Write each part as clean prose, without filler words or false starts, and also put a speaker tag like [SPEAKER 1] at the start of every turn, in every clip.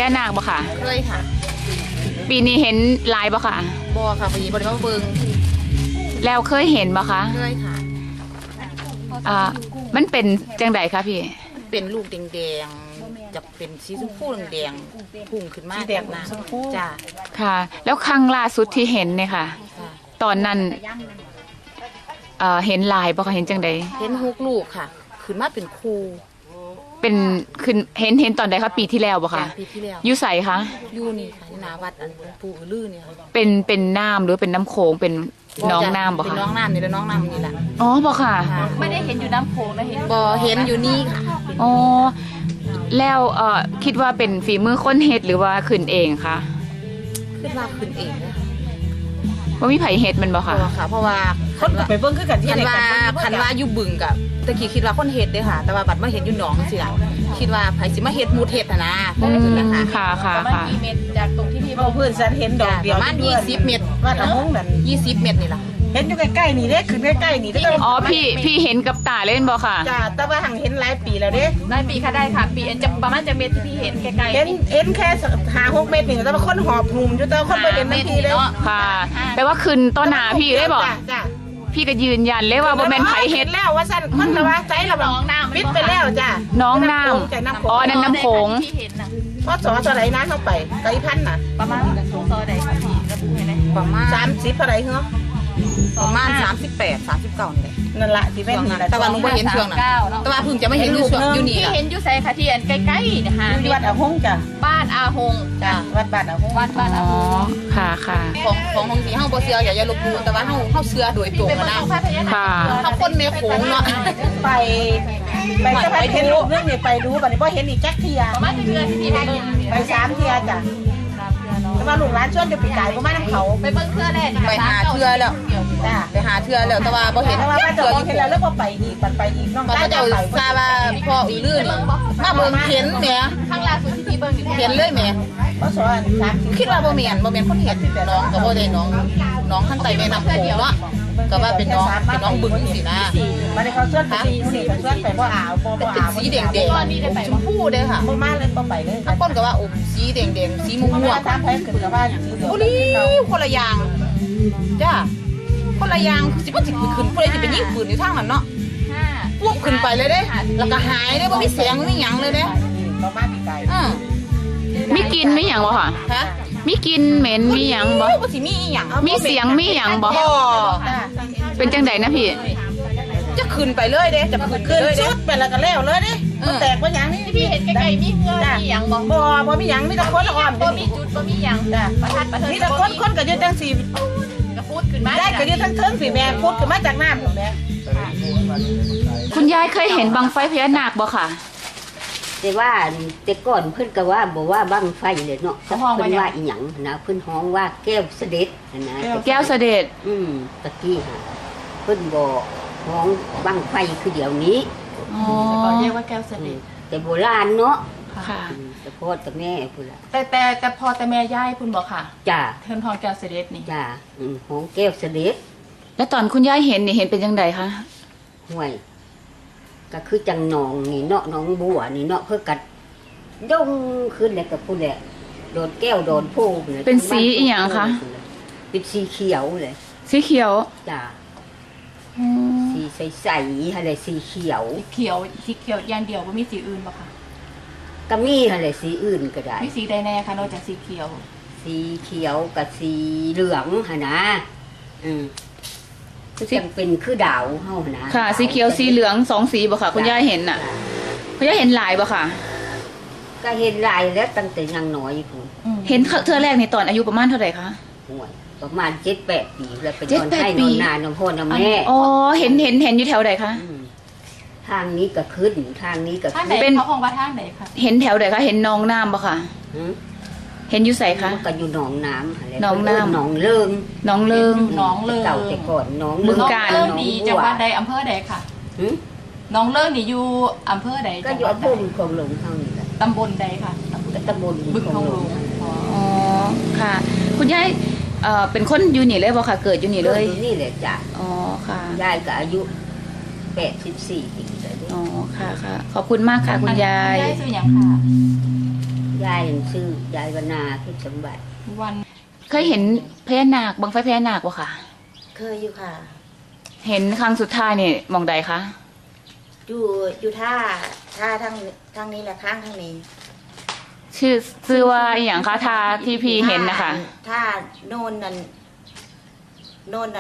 [SPEAKER 1] ญานาคบ่ค่ะ
[SPEAKER 2] เคยค่ะ
[SPEAKER 1] ปีนี้เห็นลายบ่ค่ะ
[SPEAKER 2] บ่ค่ะปีบ่ได้มาเบิ่ง
[SPEAKER 1] แล้วเคยเห็นบ่คะ
[SPEAKER 2] เคยค่ะ
[SPEAKER 1] มันเป็นจังไดคะพี่
[SPEAKER 2] เป็นลูกแดงๆจะเป็นสีชมพูแดงๆพุ่งขึ้นมา
[SPEAKER 3] สีแดงชมพู
[SPEAKER 2] จ้า
[SPEAKER 1] ค่ะแล้วครั้งล่าสุดที่เห็นเนี่ยค่ะตอนนั้นเห็นลายบ่คะเห็นจังได
[SPEAKER 2] เห็น6ลูกค่ะขึ้นมาเป็นคู่
[SPEAKER 1] เป็นขึ้นเห็นตอนใดคะปีที่แล้วบ่คะ
[SPEAKER 2] ปีที่แล้ว
[SPEAKER 1] อยู่ใสคะ
[SPEAKER 2] อยู่นี่ค่ะหน้าวัดอันปู่อือลือเนี่ย
[SPEAKER 1] เป็นน้ำหรือเป็นน้ำโขงเป็นน้องน้ำบ่คะ
[SPEAKER 2] เป็นน้องน้ำนี่แหละน้องน้ำนี่แหละ
[SPEAKER 1] อ๋อบ่ค่ะ
[SPEAKER 3] ไม่ได้เห็นอยู่น้ำโขงนะเห็น
[SPEAKER 2] บ่เห็นอยู่นี่ค่ะ
[SPEAKER 1] อ๋อแล้วคิดว่าเป็นฝีมือคนเฮ็ดหรือว่าขึ้นเองคะ
[SPEAKER 2] คิดว่าขึ้นเองนะคะ
[SPEAKER 1] ว่ามีไผเฮ็ดมันบ่ค่ะ
[SPEAKER 2] เพราะว่า
[SPEAKER 3] คนไปเบิ่งคือกันที่ไหนกัน
[SPEAKER 2] คันว่าอยู่บึงกับตะกี้คิดว่าคนเฮ็ดเด้ค่ะแต่ว่าบัดมาเห็นอยู่หนองสิล่ะคิดว่าไผสิมาเฮ็ดมูดเฮ็ดนะ
[SPEAKER 1] ค่ะค่ะ
[SPEAKER 3] ประมาณกี่เมตรจากตรงที่พี่บอกเพื่อนฉันเห็นดอกเดียว
[SPEAKER 2] ประมาณ20เมตร
[SPEAKER 3] ว่าตะมุงนั่น
[SPEAKER 2] 20เมตรนี่ล่ะ
[SPEAKER 3] เห็นอยู่ใกล้ๆนี่เด้ขึ้นใกล้ๆนี่
[SPEAKER 1] อ๋อพี่เห็นกับตาเล่นบ่ค่ะ
[SPEAKER 3] จ้าแต่ว่าหังเห็นหลายปีแล้วเด้
[SPEAKER 4] หลายปีค่ะได้ค่ะปีจะประมาณจะเมตรที่พี่เห็นไกลๆ
[SPEAKER 3] เห็นแค่5-6 เมตรนี่แต่ว่าคนหอบหุ่มอยู่แต่คนไปเห็นนาทีเลย
[SPEAKER 1] ค่ะแปลว่าขึ้นต้นหนาพี่ได้บ่พี่ก็ยืนยันเลยว่าบ่แม่นไผเฮ็ด
[SPEAKER 3] แล้วว่าซั่นคนละว่าใจละน้องน้ำปิดไปแล้วจ้ะ
[SPEAKER 1] น้องน้ำอ๋อนั่นน้ำโขง
[SPEAKER 4] ที่เห็นน่ะ
[SPEAKER 3] พอสอเท่าไหร่นะเข้าไปไก่พันน่ะ
[SPEAKER 4] ประมาณซอใดค่ะพี่ระบุให้ได้
[SPEAKER 2] ประมาณ
[SPEAKER 3] 30เท่าไหร่เหรอ
[SPEAKER 2] ประมาณ38 39นี่แหละ
[SPEAKER 3] นั่นล่ะที่แม่นนี่ล่ะ
[SPEAKER 2] แต่ว่าหนูบ่เห็นช่วงนั้นแต่ว่าเพิ่งจะมาเห็นอยู่นี่
[SPEAKER 4] ที่เห็นอยู่ไสค่ะที่อันใกล้ๆนะคะ
[SPEAKER 3] อยู่วัดอาหงจ้ะ
[SPEAKER 4] บ้านอาหง
[SPEAKER 3] จ้ะวัดบ้านอาหง
[SPEAKER 4] วัดบ้านอาหง
[SPEAKER 1] ค่ะ
[SPEAKER 2] ของสีเฮาบ่เชื่ออย่าลบหลู่แต่ว่าเฮาเชื่อโดยตรงนะ
[SPEAKER 1] ค่ะ
[SPEAKER 2] เฮาคนแม่โขงเนาะ
[SPEAKER 3] ไปจะไปเห็นรูปเรื่องนี้ไปดูบัดนี้บ่เห็นอีกจักเที่ย
[SPEAKER 4] ประมาณเดือนที่พี่ไป
[SPEAKER 3] 3 เที่ยจ้ะแต่ว่าลูกหลานชวนจะไปไกลบ่มานํเขา
[SPEAKER 4] ไปเบิ่งเทื่อแรก
[SPEAKER 2] ไปหาเทื่อแล้ว
[SPEAKER 3] จ้ะ
[SPEAKER 2] ไปหาเทื่อแล้วแต่ว่าบ่เห็น
[SPEAKER 3] แต่ว่าเทื่อเห็นแล้วบ่ไปอีกปันไปอีกน้อง
[SPEAKER 2] ก็จะทราบว่าพ่ออือลือนี่มาเบิ่งเห็นแหม
[SPEAKER 4] ครั้งล่าสุดที่พี่เบิ่ง
[SPEAKER 2] เห็นเลยแหม
[SPEAKER 3] บ่สอน
[SPEAKER 2] คิดว่าบ่แม่นคนเห็นน้องก็บ่ได้น้องข้างใต้แม่น้ำโขงเนาะก็ว่าเป็นน้องบึงสินะ
[SPEAKER 3] บัดนี้เขาชวนไป4เขาชวนไปบ่อาวบ่
[SPEAKER 2] อาวสีแดงๆชมพูเด้อค่ะ
[SPEAKER 3] บ่มาเลยบ่ไปเลย
[SPEAKER 2] ถ้าคนก็ว่าสีแดงๆสีม่วง
[SPEAKER 3] ๆตามแผนขึ้นก็ว่าสีเหลือง
[SPEAKER 2] โอ้นี่คนละอย่างจ้าคนละอย่างสิบ่สิขึ้นผู้ใดสิไปยิงปืนอยู่ทางนั้นเนาะปุ๊บขึ้นไปเลยเด้แล้วก็หายเด้บ่มีแสงมีหยังเลยเด้
[SPEAKER 3] บ่มาปีไกล
[SPEAKER 1] มีกินมีหยังบ่ค่ะ
[SPEAKER 2] ฮะ
[SPEAKER 1] มีกินเหม็นมีหยังบ่
[SPEAKER 2] บ่สิมีอีหยัง
[SPEAKER 1] มีเสียงมีหยังบ่เป็นจังได๋นะพี่
[SPEAKER 2] จะขึ้นไปเลยเด้จะขึ้นเลย
[SPEAKER 3] ชุดไปแล้วก็แล้วเลยเด้แตกบ่หยังนี่
[SPEAKER 4] พี่เห็นไกลๆมีเหือมีหยัง
[SPEAKER 3] บ่มีหยังมีแต่คนอ้อม
[SPEAKER 4] บ่มีจุดบ่มีหยังประทัดประเทิง
[SPEAKER 3] มีแต่คนก็อยู่จังซี่
[SPEAKER 4] ก็พูดขึ้นมา
[SPEAKER 3] ได้ก็อยู่ทั้งเทิงสิแม่พูดขึ้นมาจากน้ำแม่
[SPEAKER 1] คุณยายเคยเห็นบังไฟพญานาคบ่ค่ะ
[SPEAKER 5] แต่ว่าแต่ก่อนเพิ่นก็ว่าบอกว่าบังไฟเลยเนาะเพิ่นว่าอีหยังนะเพิ่นฮ้องว่าแก้วเสด็จนะ
[SPEAKER 1] แก้วเสด็จ
[SPEAKER 5] ตะกี้ฮะเพิ่นบอกฮ้องบังไฟคือเดี๋ยวนี้
[SPEAKER 4] ก็เรียกว่าแก้วเสด็จ
[SPEAKER 5] แต่โบราณเนาะ
[SPEAKER 1] ค่ะ
[SPEAKER 5] แต่พ่อแต่แม่พุ่นล่ะ
[SPEAKER 4] แต่พอแต่แม่ย่ายพุ่นบอกค่ะ
[SPEAKER 5] จ้า
[SPEAKER 4] เพิ่นฮ้องแก้วเสด็จนี่
[SPEAKER 5] จ้าฮ้องแก้วเสด็จ
[SPEAKER 1] แล้วตอนคุณยายเห็นนี่เห็นเป็นจังไดคะ
[SPEAKER 5] ห่วยก็คือจังหนองนี่เนาะหนองบัวนี่เนาะเพื่อกัดดงขึ้นเลยกับผู้แหละโดนแก้วโดนพู
[SPEAKER 1] เป็นสีอีหยังคะ
[SPEAKER 5] เป็นสีเขียวเลย
[SPEAKER 1] สีเขียว
[SPEAKER 5] จ้าสีใสๆอะไรสีเขียว
[SPEAKER 4] สีเขียวอย่างเดียวว่ามีสีอื่นป่ะคะ
[SPEAKER 5] ก็มีอะไรสีอื่นก็ได้
[SPEAKER 4] มีสีใดแน่คะนอกจากสีเขียว
[SPEAKER 5] สีเขียวกับสีเหลืองหะนะจังเป็นคือดาวเฮานะ
[SPEAKER 1] ค่ะสีเขียวสีเหลือง2 สีบ่ค่ะคุณยายเห็นน่ะคุณยายเห็นหลายบ่ค่ะ
[SPEAKER 5] ก็เห็นหลายแล้วตั้งแต่ยังน้อยพุ่น
[SPEAKER 1] เห็นเทื่อแรกในตอนอายุประมาณเท่าไหร่คะ
[SPEAKER 5] ประมาณ7-8 ปีแล้วเป็นคนให้นอนนานนพ่อนแม่
[SPEAKER 1] อ๋อเห็นอยู่แถวไหนคะ
[SPEAKER 5] ทางนี้ก็ขึ้นทางนี้ก็
[SPEAKER 4] เป็นเขาคงว่าทางไหนคะ
[SPEAKER 1] เห็นแถวไหนคะเห็นน้องน้ำบ่ค่ะเห็นอยู่ใส่คะ
[SPEAKER 5] ก็อยู่หนองน้ำ
[SPEAKER 1] หนองน้ำ
[SPEAKER 5] หนองเลิง
[SPEAKER 1] หนองเลิง
[SPEAKER 5] เก่าแต่ก่อนหนอง
[SPEAKER 4] บึงกาฬดีจังหวัดใดอำเภอใดค่ะหนองเลิงนี่อยู่อำเภอใด
[SPEAKER 5] ก็อยู่อำเภอบึงคลองหลงเท่านี้แหละ
[SPEAKER 4] ตำบลใดค่ะ
[SPEAKER 5] ตำบล
[SPEAKER 4] บึงคลองหลง
[SPEAKER 1] อ๋อค่ะคุณยายเป็นคนอยู่นี่เลยบ่ค่ะเกิดอยู่นี่เลย
[SPEAKER 5] อยู่นี่เลยจ้ะ
[SPEAKER 1] อ๋อค่ะ
[SPEAKER 5] ยายก็อายุ84 ปี
[SPEAKER 1] อ๋อค่ะขอบคุณมากค่ะคุณยาย
[SPEAKER 4] ยายชื่อหยังค่ะ
[SPEAKER 5] ยายชื่อยายวนาที่สมบัติ
[SPEAKER 4] วัน
[SPEAKER 1] เคยเห็นพญานาคบังไฟพญานาคบ่ค่ะ
[SPEAKER 3] เคยอยู่ค่ะ
[SPEAKER 1] เห็นครั้งสุดท้ายนี่หมองใดคะ
[SPEAKER 3] อยู่ท่าทางนี้แหละข้างทางนี้
[SPEAKER 1] ชื่อว่าอหย่างคะทาที่พี่เห็นนะคะ
[SPEAKER 3] ท่าโน่นนั่นโน่น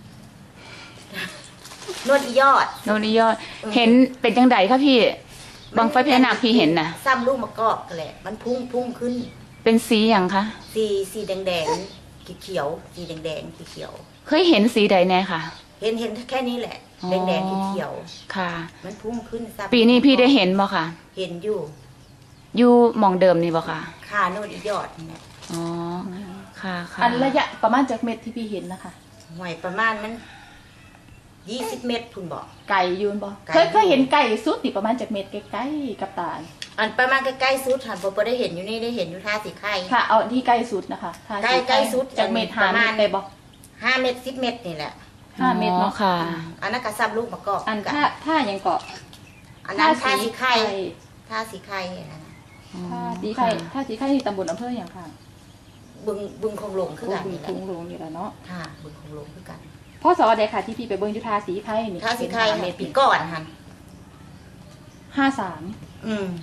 [SPEAKER 3] อียอด
[SPEAKER 1] โนนนิยอดเห็นเป็นจังใดคะพี่บังไฟพญานาคพี่เห็นน่ะ
[SPEAKER 3] ซ้ำลูกมะกอกกันแหละมันพุ่งขึ้น
[SPEAKER 1] เป็นสีอย่างคะ
[SPEAKER 3] สีแดงเขียวสีแดงเขียว
[SPEAKER 1] เคยเห็นสีใดแน่ค่ะ
[SPEAKER 3] เห็นแค่นี้แหละ
[SPEAKER 1] อ๋อ
[SPEAKER 3] แดงเขียว
[SPEAKER 1] ค่ะ
[SPEAKER 3] มันพุ่งขึ้นซ้ำ
[SPEAKER 1] ปีนี้พี่ได้เห็นบ่ค่ะ
[SPEAKER 3] เห็นอยู่
[SPEAKER 1] อยู่หมองเดิมนี่บ่ค่ะ
[SPEAKER 3] ขาโน่นอียอดนี่แหละ
[SPEAKER 1] อ๋อค่ะค่ะ
[SPEAKER 4] อันระยะประมาณจากเม็ดที่พี่เห็นนะคะ
[SPEAKER 3] หวยประมาณมัน20 เมตรคุณบอก
[SPEAKER 4] ไก่ยืนบ่
[SPEAKER 3] ไก่
[SPEAKER 4] เคยเห็นไก่สุดนี่ประมาณจากเม็ดใกล้ๆกับตา
[SPEAKER 3] อันประมาณใกล้ๆสุดหันพอได้เห็นอยู่นี่ได้เห็นอยู่ท่าสีไข่
[SPEAKER 4] ค่ะเอาที่ใกล้สุดนะคะถ้า
[SPEAKER 3] ใกล้สุด
[SPEAKER 4] จากเม็ด
[SPEAKER 3] ประมาณ
[SPEAKER 4] ได้บ่
[SPEAKER 3] 5 เมตร10 เมตรนี่แหละ
[SPEAKER 4] 5 เม็ด
[SPEAKER 1] อ๋อ
[SPEAKER 4] เนาะ
[SPEAKER 1] ค่ะ
[SPEAKER 3] อันนั้นก็ซ้ำลูกมะกอก
[SPEAKER 4] อัน
[SPEAKER 3] กั
[SPEAKER 4] ถ้ายังเกาะ
[SPEAKER 3] อันนั้นท่าสีไข่ท่าสีไข่อันนั้น
[SPEAKER 4] ท่าสีไข่ท่าสีไข่ที่ตำบลอำเภออย่างค่ะ
[SPEAKER 3] บึงคงหลงคือกัน
[SPEAKER 4] บึง
[SPEAKER 3] นี่แหละ
[SPEAKER 4] ทุ่งหลวงนี่แหละเนาะ
[SPEAKER 3] ค่ะบึงคงหลงคือกัน
[SPEAKER 4] พ่อสอใดค่ะที่พี่ไปเบิ่งอยู่ท่าสีไข่นี่
[SPEAKER 3] ท่าสีไข่
[SPEAKER 4] เม็ด
[SPEAKER 3] ปีก่อนหัน
[SPEAKER 4] 53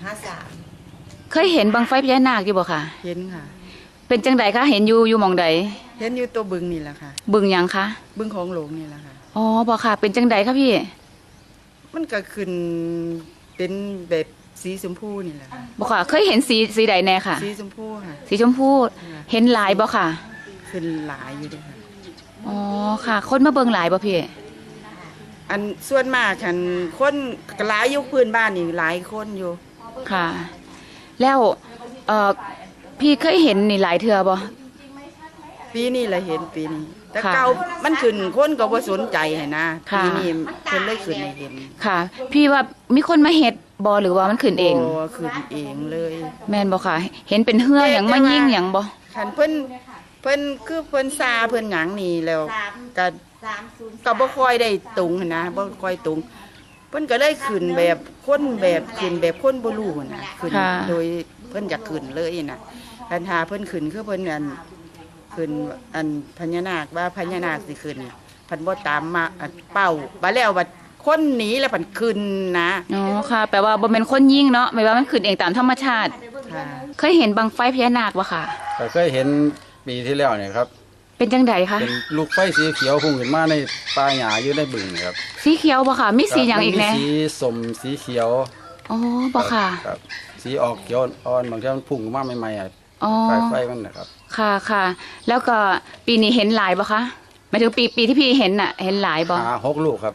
[SPEAKER 3] 53
[SPEAKER 1] เคยเห็นบังไฟพญานาคอยู่บ่ค่ะ
[SPEAKER 6] เห็นค่ะ
[SPEAKER 1] เป็นจังใดคะเห็นอยู่หมองใด
[SPEAKER 6] เห็นอยู่ตัวบึงนี่แหละค่ะ
[SPEAKER 1] บึงหยังคะ
[SPEAKER 6] บึงของหลวงนี่แหละค่ะ
[SPEAKER 1] อ๋อบ่ค่ะ เป็นจังใดคะพี่
[SPEAKER 6] มันก็ขึ้นเป็นแบบสีชมพูนี่แหละค่ะ
[SPEAKER 1] บ่ค่ะ เคยเห็นสีใดแน่ค่ะ
[SPEAKER 6] สีชมพูค่ะ
[SPEAKER 1] สีชมพูเห็นหลายบ่ค่ะ
[SPEAKER 6] ขึ้นหลายอยู่เด้วยค่ะ
[SPEAKER 1] อ๋อค่ะ คนมาเบิ่งหลายบ่พี่
[SPEAKER 6] อันส่วนมากคันคนหลายอยู่พื้นบ้านนี่หลายคนอยู่
[SPEAKER 1] ค่ะ แล้วพี่เคยเห็นนี่หลายเทื่อบ่
[SPEAKER 6] ปีนี้แหละเห็นปีนี้ แต่
[SPEAKER 1] ค่ะ
[SPEAKER 6] เก่ามันขึ้นคนก็บ่สนใจให้นะ
[SPEAKER 1] ค่ะ
[SPEAKER 6] ปีนี้เพิ่นเลยขึ้นให้เห็น
[SPEAKER 1] ค่ะ พี่ว่ามีคนมาเฮ็ดบ่หรือว่ามันขึ้นเอง
[SPEAKER 6] โขึ้นเองเลย
[SPEAKER 1] แม่นบ่ค่ะ เห็นเป็นเหือหยังมายิ่งหยังบ่
[SPEAKER 6] คันเพิ่นคือเพิ่นซาเพิ่นหยังนี่แล้วก็
[SPEAKER 3] 30
[SPEAKER 6] ก็บ่ค่อยได้ตุงหั้นนะบ่ค่อยตุงเพิ่นก็เลยขึ้นแบบคนแบบขึ้นแบบคนบ่รู้หั้นนะขึ้น
[SPEAKER 1] ค่ะ
[SPEAKER 6] โดยเพิ่นอยากขึ้นเลยน่ะคันหาเพิ่นขึ้นคือเพิ่นอันขึ้นอันพญานาคว่าพญานาคสิขึ้นเพิ่นบ่ตามมาอันเป้าบัดแล้วบัดคนหนีแล้วเพิ่นขึ้นนะ
[SPEAKER 1] อ๋อค่ะ แปลว่าบ่แม่นคนยิ่งเนาะหมายว่ามันขึ้นเองตามธรรมชาติ
[SPEAKER 6] ค่ะ
[SPEAKER 1] เคยเห็นบังไฟพญานาคบ่ค่ะ
[SPEAKER 7] ก็เคยเห็นปีที่แล้วเนี่ยครับ
[SPEAKER 1] เป็นจังใดคะ
[SPEAKER 7] เป็นลูกไฟสีเขียวพุ่งขึ้นมาในป่าหญ้าอยู่ในบึงครับ
[SPEAKER 1] สีเขียวบ่ค่ะ มีสีหยังอีกแน่
[SPEAKER 7] มันมีสีส้มสีเขียว
[SPEAKER 1] อ๋อบ่ค่ะ
[SPEAKER 7] ครับสีออกเขียวอ่อนบางทีมันพุ่งขึ้นมาใหม่ๆอ่ะ
[SPEAKER 1] อ๋อ
[SPEAKER 7] ไฟมันนะครับ
[SPEAKER 1] ค่ะค่ะ แล้วก็ปีนี้เห็นหลายบ่คะหมายถึงปีที่พี่เห็นน่ะ เห็นหลายบ่
[SPEAKER 7] หา6 ลูกครับ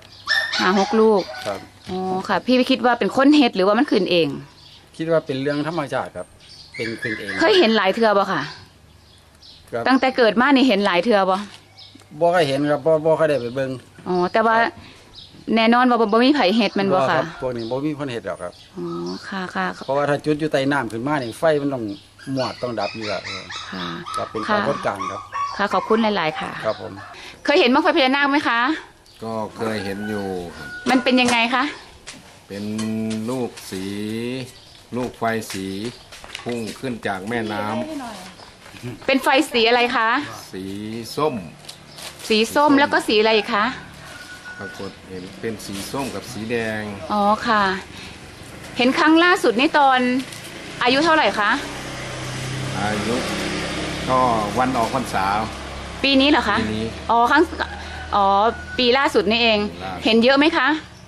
[SPEAKER 1] 6 ลูก
[SPEAKER 7] ครับ
[SPEAKER 1] อ๋อค่ะ พี่คิดว่าเป็นคนเฮ็ดหรือว่ามันขึ้นเอง
[SPEAKER 7] คิดว่าเป็นเรื่องธรรมชาติครับ เป็นขึ้นเอง
[SPEAKER 1] เคยเห็นหลายเทื่อบ่ค่ะ
[SPEAKER 7] ครับ
[SPEAKER 1] ตั้งแต่เกิดมานี่เห็นหลายเทื่อบ่
[SPEAKER 7] บ่เคยเห็นครับบ่เคยได้ไปเบิ่ง
[SPEAKER 1] อ๋อแต่ว่าแน่นอนว่าบ่มีไผเฮ็ดแมันบ่ค่ะ
[SPEAKER 7] รับพวกนี้บ่มีคนเฮ็ดหรอกครับ
[SPEAKER 1] อ๋อค่ะค่ะ
[SPEAKER 7] เพราะว่าถ้าจุดอยู่ใต้น้ำขึ้นมานี่ไฟมันต้องหมวดต้องดับอยู่แล้ว
[SPEAKER 1] ค่ะ
[SPEAKER 7] ครับเป็น
[SPEAKER 1] ค่ะ
[SPEAKER 7] ปรากฏการณ์ครับ
[SPEAKER 1] ค่ะขอบคุณหลายๆค่ะ
[SPEAKER 7] ครับผม
[SPEAKER 1] เคยเห็นบั้งไฟพญานาคไหมคะ
[SPEAKER 8] ก็เคยเห็นอยู่ครับ
[SPEAKER 1] มันเป็นยังไงคะ
[SPEAKER 8] เป็นลูกสี ลูกไฟสีพุ่งขึ้นจากแม่น้ำ
[SPEAKER 1] เป็นไฟสีอะไรคะ
[SPEAKER 8] สีส้ม
[SPEAKER 1] สีส้มแล้วก็สีอะไรอีกคะ
[SPEAKER 8] ปรากฏเห็นเป็นสีส้มกับสีแดง
[SPEAKER 1] อ๋อค่ะ เห็นครั้งล่าสุดนี่ตอนอายุเท่าไหร่คะ
[SPEAKER 8] อายุก็วันออกพรรษา
[SPEAKER 1] ปีนี้เหรอคะ
[SPEAKER 8] ปีนี้
[SPEAKER 1] อ๋อปีล่าสุดนี่เอง
[SPEAKER 8] ปีล่าสุด
[SPEAKER 1] เห็นเยอะไหมคะ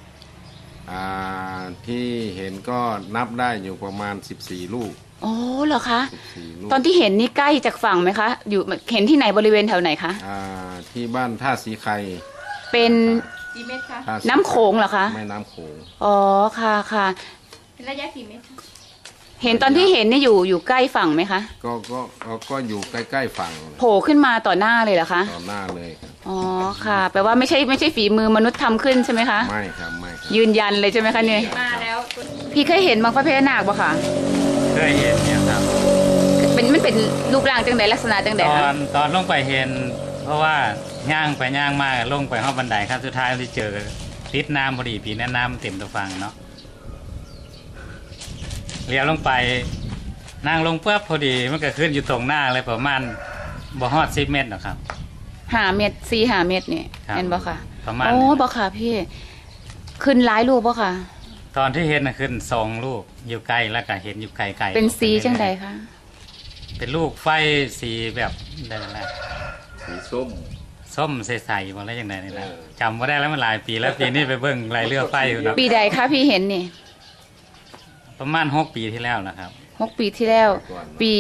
[SPEAKER 8] ที่เห็นก็นับได้อยู่ประมาณ 14 ลูก
[SPEAKER 1] อ๋อเหรอคะ
[SPEAKER 8] 14ลูก
[SPEAKER 1] ตอนที่เห็นนี่ใกล้จากฝั่งไหมคะ อยู่เห็นที่ไหนบริเวณแถวไหนคะ
[SPEAKER 8] ที่บ้านท่าสีไข่
[SPEAKER 1] เป็น
[SPEAKER 4] กี่เม็ดคะ
[SPEAKER 8] ท่าสี
[SPEAKER 1] น้ำโขงเหรอคะ
[SPEAKER 8] แม่น้ำโขง
[SPEAKER 1] อ๋อค่ะค่ะ
[SPEAKER 4] เป็นระยะกี่เม็ดคะ
[SPEAKER 1] เห็นตอนที่เห็นนี่อยู่ใกล้ฝั่งไหมคะ
[SPEAKER 8] ก็อยู่ใกล้ๆฝั่ง
[SPEAKER 1] โผล่ขึ้นมาต่อหน้าเลยเหรอคะ
[SPEAKER 8] ต่อหน้าเลยครับ
[SPEAKER 1] อ๋อค่ะ แปลว่าไม่ใช่ฝีมือมนุษย์ทำขึ้นใช่ไหมคะ
[SPEAKER 8] ไม่ครับไม่ครับ
[SPEAKER 1] ยืนยันเลยใช่ไหมคะเนี่ย
[SPEAKER 4] มาแล้ว
[SPEAKER 1] พี่เคยเห็นบังไฟพญานาคปะคะ
[SPEAKER 9] เคยเห็นเนี่ยครับ
[SPEAKER 1] มันเป็นรูปร่างจังใดลักษณะจังใด
[SPEAKER 9] ตอ
[SPEAKER 1] คะ
[SPEAKER 9] นลงไปเห็น เพราะว่าย่างไปย่างมาลงไปห้องบันไดครับสุดท้ายที่เจอติดน้ำพอดีปีนั้นน้ำเต็มตัวฟังเนาะเลี้ยวลงไปนางลงปุ๊บพอดีมันก็ขึ้นอยู่ตรงหน้าเลยประมาณบ่ฮอด10 เมตรหรอกครับ
[SPEAKER 1] 5 เมตร4-5 เมตรนี่
[SPEAKER 9] ครับ
[SPEAKER 1] เห็นบ่ค่ะ
[SPEAKER 9] ประมาณ
[SPEAKER 1] โอ้บ่ค่ะพี่ขึ้นหลายรูปบ่ค่ะ
[SPEAKER 9] ตอนที่เห็นน่ะขึ้น2 ลูกอยู่ไกลแล้วก็เห็นอยู่ไกลๆ
[SPEAKER 1] เป็นสีจังใดคะ
[SPEAKER 9] เป็นลูกไฟสีแบบได้แหละ
[SPEAKER 8] สีส้ม
[SPEAKER 9] ส้มใสๆบ่แล้วจังไดนี่ล่ะจำบ่ได้แล้วมันหลายปีแล้วปีนี้ไปเบิ่งรายเรือไฟอยู่เนาะ
[SPEAKER 1] ปีใดคะพี่เห็นนี่
[SPEAKER 9] ประมาณ6 ปีที่แล้วนะครับ
[SPEAKER 1] 6 ปีที่แล้ว ปี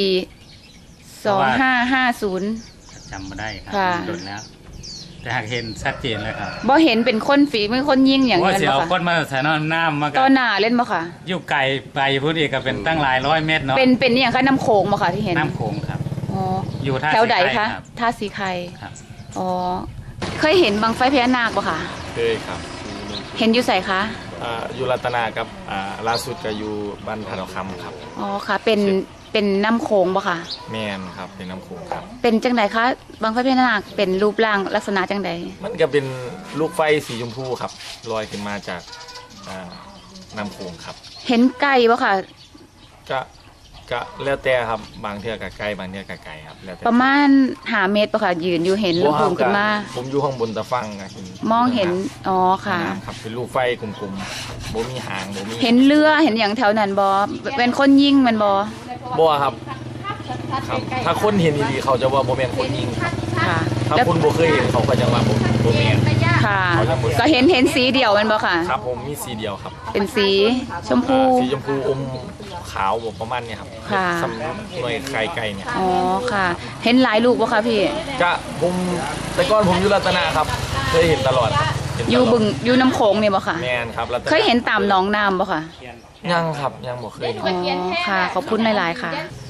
[SPEAKER 1] 2550
[SPEAKER 9] จำบ่ได้ครั
[SPEAKER 1] ค่ะ
[SPEAKER 9] โดนแล้ว แต่หากเห็นชัดเจนเลยครับ
[SPEAKER 1] บ่เห็นเป็นคนฝีมือคนยิงอย่าง
[SPEAKER 9] ว่า
[SPEAKER 1] นั้น
[SPEAKER 9] สิ
[SPEAKER 1] บ่
[SPEAKER 9] เอาค
[SPEAKER 1] ค่ะ
[SPEAKER 9] นมาใส่น้ำมากั
[SPEAKER 1] ต่อหน้าเล่นบ่ค่ะ
[SPEAKER 9] อยู่ไกลไปพุ่นอีกก็เป็นตั้งหลายร้อยเมตรเนาะ
[SPEAKER 1] เป็นอย่างคะน้ำโขงบ่ค่ะที่เห็น
[SPEAKER 9] น้ำโขงครับ
[SPEAKER 1] อ๋อ
[SPEAKER 9] อยู่ท่า
[SPEAKER 1] แถวใด
[SPEAKER 9] สีไข่
[SPEAKER 1] คะ
[SPEAKER 9] รับ
[SPEAKER 1] ท่าสีไข่
[SPEAKER 9] ครับ
[SPEAKER 1] อ๋อเคยเห็นบังไฟพญานาคบ่ค่ะ
[SPEAKER 10] เคยครับ
[SPEAKER 1] เห็นอยู่ไสคะ
[SPEAKER 10] อยู่รัตนากับล่าสุดก็อยู่บ้านธนคำครับ
[SPEAKER 1] อ๋อค่ะ เป็นน้ำโขงบ่ค่ะ
[SPEAKER 10] แมนครับเป็นน้ำโขงครับ
[SPEAKER 1] เป็นจังใดคะบังไฟพญานาคเป็นรูปร่างลักษณะจังใด
[SPEAKER 10] มันก็เป็นลูกไฟสีชมพูครับลอยขึ้นมาจากน้ำโขงครับ
[SPEAKER 1] เห็นไก่บ่ค่ะ
[SPEAKER 10] ก็แล้วแต่ครับบางเทื่อกับไกลบางเทื่อกับไกลครับแล้วแต่
[SPEAKER 1] ประมาณ5 เมตรบ่ค่ะ ยืนอยู่เห็นลูกโป่งขึ้นมา
[SPEAKER 10] ผมอยู่ข้างบนตะฟังก็เห็น
[SPEAKER 1] มองเห็นอ๋อค่ะ
[SPEAKER 10] น้ำครับเป็นลูกไฟกลมๆบ่มีหางบ่มี
[SPEAKER 1] เห็นเรือเห็นอย่างแถวนั้นบ่เป็นคนยิงมันบ่
[SPEAKER 10] บ่ครับครับ ถ้าคนเห็นดีๆเขาจะว่าบ่แม่นคนยิง
[SPEAKER 1] ค่ะ
[SPEAKER 10] ถ้า
[SPEAKER 1] แล้ว
[SPEAKER 10] คนบ่เคยเห็นเขาก็จะว่าบ่แม่น
[SPEAKER 1] ค่ะ ก็เห็นสีเดียวมันบ่ค่ะ
[SPEAKER 10] ครับผมมีสีเดียวครับ
[SPEAKER 1] เป็นสีชมพู
[SPEAKER 10] สีชมพูอมขาวแบบประมาณเนี้ยครับ
[SPEAKER 1] ค่ะ
[SPEAKER 10] สำหรับหน่วยไข่ไก่เนี่ย
[SPEAKER 1] อ๋อค่ะ เห็นหลายลูกบ่คะพี่
[SPEAKER 10] จะผมแต่ก่อนผมอยู่รัตนาครับ เคยเห็นตลอดครับเห็นตลด
[SPEAKER 1] อยู่บึงอยู่น้ำโขงนี่บ่ค่ะ
[SPEAKER 10] แมนครับรัตนา
[SPEAKER 1] เคยเห็นตามหนองน้ำบ่ค่ะ
[SPEAKER 10] ยังครับยังบ่เคยเห็น
[SPEAKER 1] อ๋อค่ะ ขอบคุณหลายๆค่ะ